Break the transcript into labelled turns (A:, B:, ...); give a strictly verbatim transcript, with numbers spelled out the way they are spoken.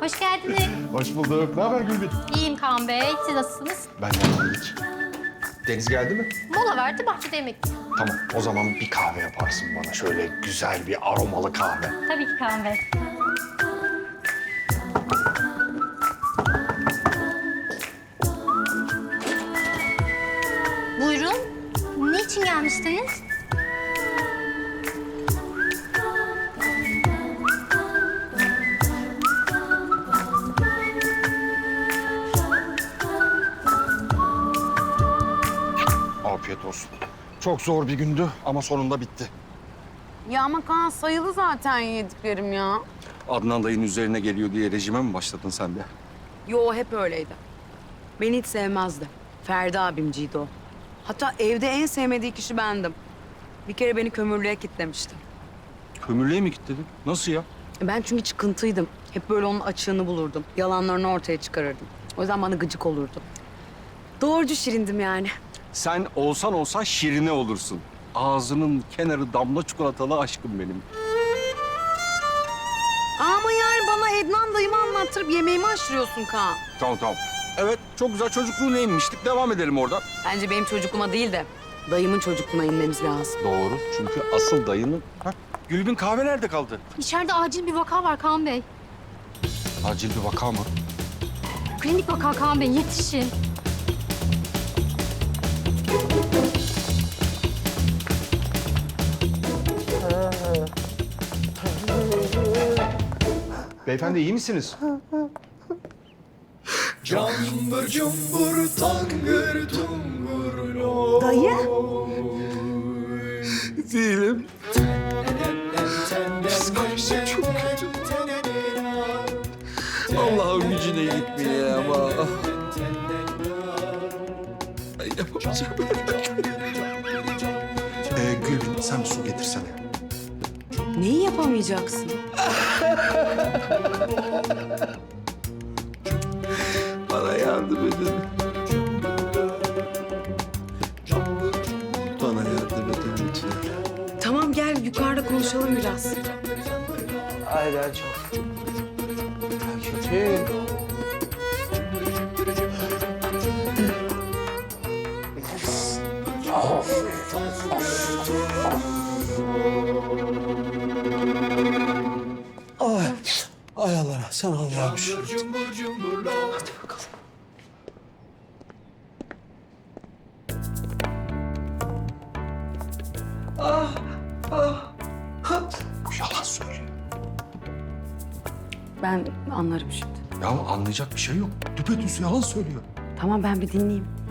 A: Hoş geldiniz.
B: Hoş bulduk. Ne haber Gülbin?
A: İyiyim Kaan Bey. Siz nasılsınız?
B: Ben geldik. Deniz geldi mi?
A: Mola verdi, bahçede yemek.
B: Tamam. O zaman bir kahve yaparsın bana. Şöyle güzel bir aromalı kahve.
A: Tabii ki Kaan Bey. Buyurun. Ne için gelmiştiniz?
B: Afiyet olsun. Çok zor bir gündü ama sonunda bitti.
C: Ya ama Kaan sayılı zaten yediklerim ya.
D: Adnan dayın üzerine geliyor diye rejime mi başladın sen de?
C: Yo hep öyleydi. Beni hiç sevmezdi. Ferdi abimciydi o. Hatta evde en sevmediği kişi bendim. Bir kere beni kömürlüğe kilitlemişti.
D: Kömürlüğe mi kilitledin? Nasıl ya?
C: Ben çünkü çıkıntıydım. Hep böyle onun açığını bulurdum. Yalanlarını ortaya çıkarırdım. O yüzden bana gıcık olurdu. Doğrucu şirindim yani.
D: Sen olsan olsan şirine olursun. Ağzının kenarı damla çikolatalı aşkım benim.
C: Ama yani bana Ednan dayımı anlattırıp yemeğimi aşırıyorsun Kaan.
D: Tamam tamam. Evet çok güzel çocukluğuna inmiştik. Devam edelim oradan.
C: Bence benim çocukluğuma değil de dayımın çocukluğuna inmemiz lazım.
D: Doğru. Çünkü asıl dayının... Hah, Gülbin kahve nerede kaldı?
A: İçeride acil bir vaka var Kaan Bey.
D: Acil bir vaka mı?
A: Klinik vaka Kaan Bey, yetişin.
B: Beyefendi iyi misiniz?
E: Cambur cumbur tangır tungur lo.
C: Dayı?
D: Değilim.
E: Psikolojim çok kötü.
D: Allah'ın gücüne gitmeye ama. Ay yapamayacağım.
B: Ee, Gülbin sen bir su getirsene.
C: Neyi yapamayacaksın?
D: Bana yardım edin. Bana yardım edin lütfen.
C: Tamam gel yukarıda konuşalım biraz.
F: Ay ben çok kötü. Ay, ay Allah, sen Allah'ım şükür.
E: Cumbur cumbur lo.
F: Hadi bakalım.
B: Yalan söylüyor.
C: Ben anlarım şimdi.
D: Ya anlayacak bir şey yok. Düpedüz yalan söylüyor.
C: Tamam ben bir dinleyeyim.